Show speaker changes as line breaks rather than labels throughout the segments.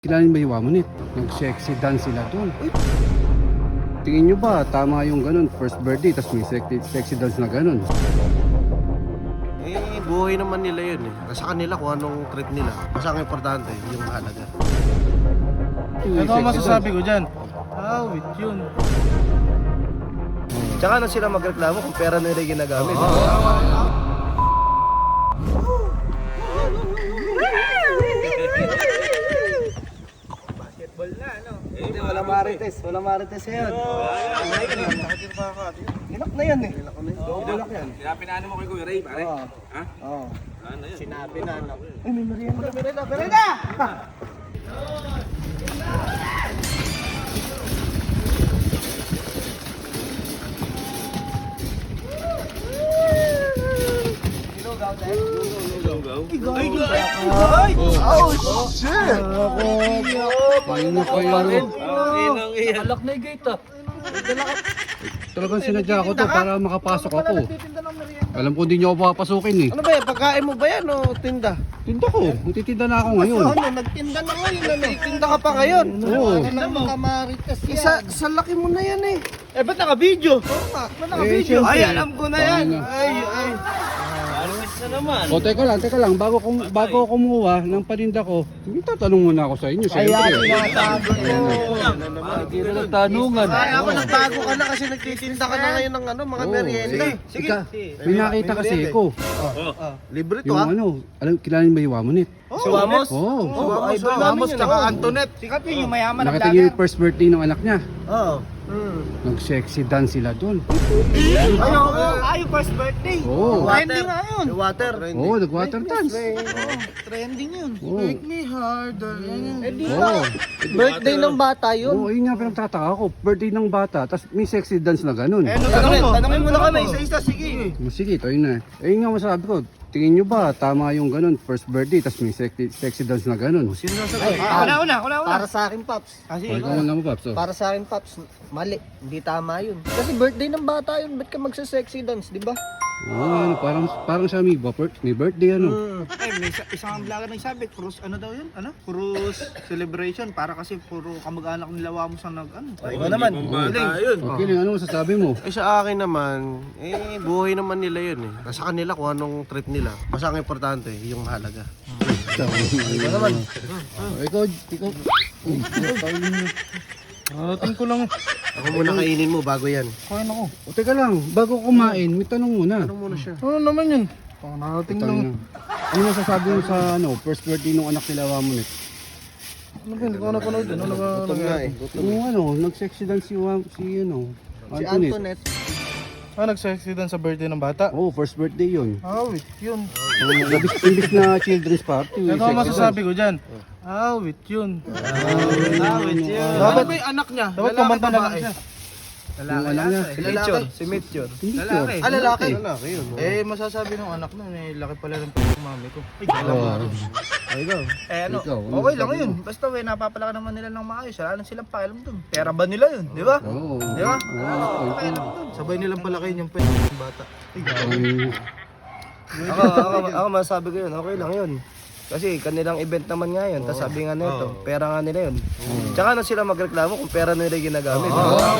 Kilala ba yung Wamonit? Nag-sexy dance sila doon. Tingin nyo ba tama yung ganun? First birthday, tapos may sexy dance na ganun.
Eh, buhay naman nila yun eh. Sa kanila kung anong trip nila. Basta ang importante, yung mahalaga.
Ano ang masasabi ko dyan? Awit yun.
Tsaka na sila magreklamo kung pera nila yung ginagamit.
Walang marites yan. Ilak na yan eh. Ilak yan.
Pinano mo kay Kuya Ray, pare? Ha?
Oo.
Ano yun?
Sinabi na. Ay, may merienda. Merienda! Ay! Oh, shit!
Paano na kayo?
Alak na yung gate ah.
Talagang sinadya ko to para makapasok ako. Alam ko hindi nyo ako papasukin eh.
Ano ba yan? Pagkain mo ba yan o tinda?
Tinda ko. Magtitinda na ako ngayon.
Ano? Nagtinda na ngayon. Nagtinda ka pa ngayon.
Oo.
Sa laki mo na yan eh.
Eh, ba't naka-video?
Ba't
naka-video?
Ay, alam ko na yan.
Paano na?
Ay.
O teka lang. Bago ako kumuha ng paninda ko, tatanong muna ako sa inyo. Siyempre.
Hindi na nagtanungan.
Ay, ako nagbago ka na kasi nagtitinda ka na ngayon ng ano, mga merienda.
Sige. May nakita kasi ako.
Libre to
Yung
ha?
kilala niyo ba yung Wamonit?
Si Wamos?
Oo.
Wamos tsaka
Antoinette. Sikat yun, yung mayaman na
Nakita niyo yung first birthday ng anak niya.
Oo.
Nag-sexy dance sila doon.
Ay, first birthday.
Oo.
Trending nga yun.
Water.
Oo, nag-water dance.
Trending yun.
Oo.
Make me harder.
Oo.
Birthday ng bata
Oo, yun nga pinagtataka ko. Birthday ng bata, tapos may sexy dance na ganun.
Tanongin mo na kami, isa-isa, sige.
Sige, ito yun na. Eh yun nga masabi ko, tingin nyo ba tama yung ganun, first birthday, tapos may sexy dance na ganun?
Una.
Para sa akin, Paps.
O, ikaw na mo, Paps.
Para sa akin, Paps, mali. Hindi tama yun. Kasi birthday ng bata yun. Ba't ka magsa-sexy dance, di ba?
Oo, parang siya may birthday, ano.
Ay, may isang vlogger nagsabi, cruise, ano daw yun? Ano? Cruise celebration. Para kasi puro kamag-anak nila Wamos ang nag-ano.
Ikaw naman.
Okay lang, ano masasabi mo?
Eh sa akin naman, buhay naman nila yun eh. Sa kanila kung anong trip nila. Basta ang importante, yung mahalaga.
Ikaw naman. Ikaw.
Ating ko lang.
Ako muna kainin mo bago yan.
Kain ako.
O, teka lang, bago kumain, may tanong muna.
Ano muna siya?
Ano naman yun? Nating lang.
Ano masasabi mo sa first birthday ng anak nila Wamonit?
Ano ba? Hindi ko napanood yun. Ano ba?
Gutom nga eh.
Yung nag-sexy dance si
Si
Antoinette.
Antoinette.
Nag-sexy dan sa birthday ng bata.
Oo, first birthday yun.
Awit yun.
Imbis na children's party.
Ano ang masasabi ko dyan? Awit yun. Awit yun. Dapat ba yung anak niya? Dapat kumanta na lang siya.
Yung anak niya.
Si Mitchell.
Hindi sure.
Lalaki.
Lalaki yun.
Eh, masasabi ng anak na, may laki pala ng mami ko. Eh ano,
Ikaw, ano
okay lang
sabi
yun. Basta napapalaki naman nila ng maayos. Wala lang silang pakialam dun. Pera ba nila yun, di ba?
Oo.
Di ba?
Oo.
Pakialam dun. Sabay nilang palakihin yung pera ng bata.
Ako masasabi ko yun, okay lang yun. Kasi kanilang event naman nga yun, tapos sabi nga nito, pera nga nila yun. Tsaka na sila magreklamo kung pera nila yung ginagamit.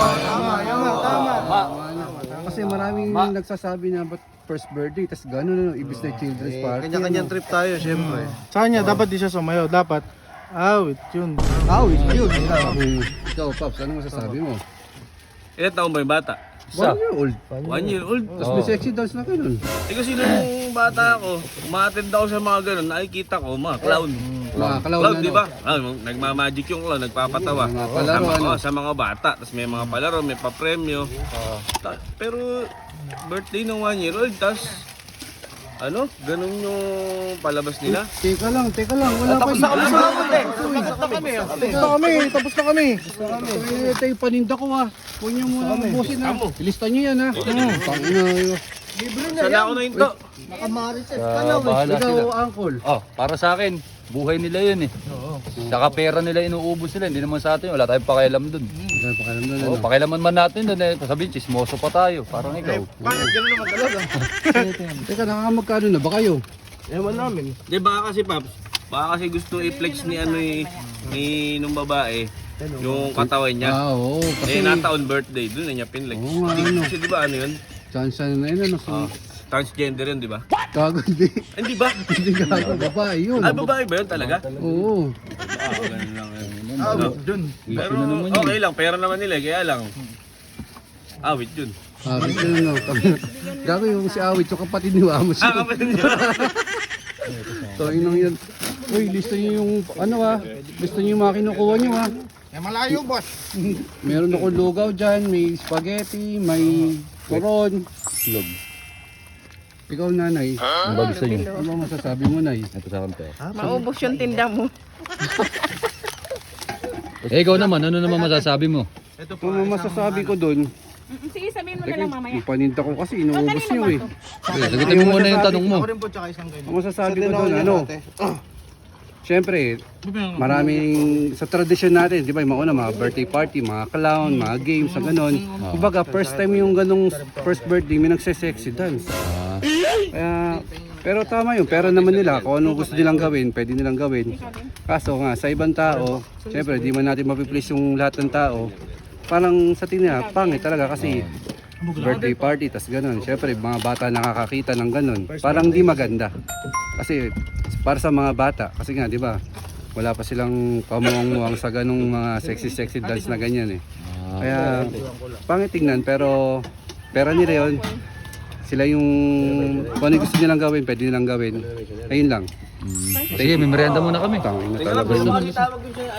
Kasi maraming nagsasabi na ba't first birthday, tas gano'n, ibis na children's party.
Kanya-kanyang trip tayo, syempre.
Sa kanya, dapat di siya sumayaw. Dapat, awit yun.
Ikaw, Pops, ano masasabi mo?
Ilan taon ba yung bata?
1 year old.
1 year old.
Tapos may sexy dance na gano'n.
Eh kasi nung bata ako, umattend ako sa mga ganun, nakikita ko mga clown. Clown, di ba? Nagmamagic yung clown, nagpapatawa.
Mga palaro, ano?
Sa mga bata, tapos may mga palaro, may papremyo. Pero birthday ng 1 year old, tapos ganun yung palabas nila.
Teka lang, wala pa.
Tapos na kami.
Ito yung paninda ko ha. Huwag niyo muna ubusin ha. Ilista niyo yan ha. Tangina.
Sana ako na hinto.
Nakamarites
Bahala
Ikaw,
sila.
uncle.
Para sa akin, buhay nila yun eh. Saka pera nila inuubos nila, hindi naman sa atin, wala tayong pakialam dun.
Wala pa kalam doon.
Pakialaman man natin dun eh, sabihin, chismoso pa tayo, parang ikaw.
Bakit gano'n naman talaga?
Teka, nakakamagkano na ba kayo?
Ewan namin.
Di ba kasi Paps, baka kasi gusto i-flex ni nung babae, yung katawan niya.
Oo, kasi
Nataon birthday, doon na niya pinlag.
Oo nga, ano.
Kasi di ba ano yun?
chance na yun, ano,
Transgender yun, di ba?
gago, hindi.
Hindi ba?
Hindi gago, babae yun.
Ah, babae ba yun talaga?
Oo.
Ganun lang yun.
Dun.
Pero okay lang, pera naman nila, kaya lang. Awit yun.
Awit yun, no. Gago yung si Awit, yung kapatid ni Wamos.
Kapatid niya.
So, yun lang yun. Uy, lista nyo yung, ano lista nyo yung mga kinukuha nyo
Eh, malayo, boss.
Meron ako lugaw dyan, may spaghetti, may turon.
Log.
Ikaw, nanay,
Ang bago sa inyo.
ano ba masasabi mo, nay?
Ito sa akin, pera.
Maubos yung tinda mo.
Ikaw naman, ano naman masasabi mo?
Ito po.
Ano masasabi ko dun?
Sige, sabihin mo na lang mamaya.
Yung paninda ko kasi inuubos nyo eh.
Okay, sagutin mo muna yung tanong mo.
Ako rin po tsaka isang ganyan.
Ang masasabi ko dun, ano? Siyempre, maraming sa tradisyon natin, di ba, yung mga una, mga birthday party, mga clown, mga games, na gano'n. Kumbaga, first time yung ganong first birthday, may nagse-sexy dance. Kaya, pero tama yun, pero naman nila, kung ano gusto nilang gawin, pwede nilang gawin. Kaso nga, sa ibang tao, siyempre, di man natin mapiplease yung lahat ng tao. Parang sa tingin nila, pangit talaga kasi birthday party, tas gano'n. Siyempre, mga bata nakakakita ng gano'n. Parang di maganda. Kasi, para sa mga bata, kasi nga, di ba, wala pa silang pamuang-muang sa ganong mga sexy dance na ganyan eh. Kaya, pangit tingnan, pero pera nila yun. Sila yung, kung ano gusto nilang gawin, pwede nilang gawin. Ayun lang.
Sige, may merienda muna kami.
Tangin na
Teka lang,
talaga
pero
yun.
makalitawag yun siya,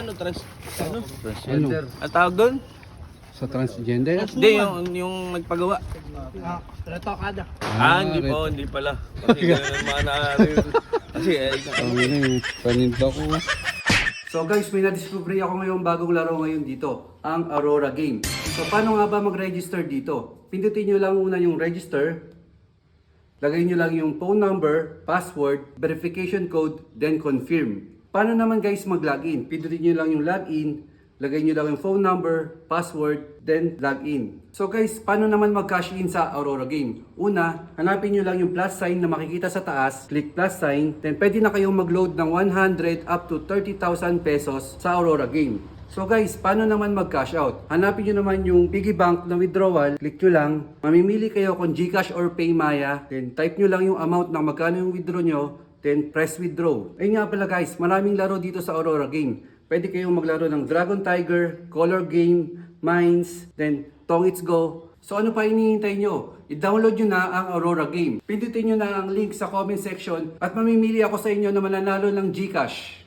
Ano?
Ang tawag doon?
Sa transgender?
Hindi, yung nagpagawa.
Retokada.
Hindi pala. Kasi ganun mga kasi
Tangin na yung paninda ko. So guys, may na-discover ako ngayong bagong laro ngayon dito, ang Aurora Game. So paano nga ba mag-register dito? Pindutin nyo lang muna yung register, lagay nyo lang yung phone number, password, verification code, then confirm. Paano naman guys mag-login? Pindutin nyo lang yung login, lagay nyo lang yung phone number, password, then login. So guys, paano naman mag-cash in sa Aurora Game? Una, hanapin nyo lang yung plus sign na makikita sa taas, click plus sign, then pwede na kayong mag-load ng 100 up to 30,000 pesos sa Aurora Game. So guys, paano naman mag-cash out? Hanapin nyo naman yung piggy bank na withdrawal, click nyo lang, mamimili kayo kung GCash or PayMaya, then type nyo lang yung amount ng magkano yung withdraw nyo, then press withdraw. Ayun nga pala guys, maraming laro dito sa Aurora Game. Pwede kayong maglaro ng Dragon Tiger, Color Game, Mines, then Tong It's Go. So ano pa hinihintay nyo? I-download nyo na ang Aurora Game. Pindutin nyo na ang link sa comment section at mamimili ako sa inyo na mananalo ng GCash.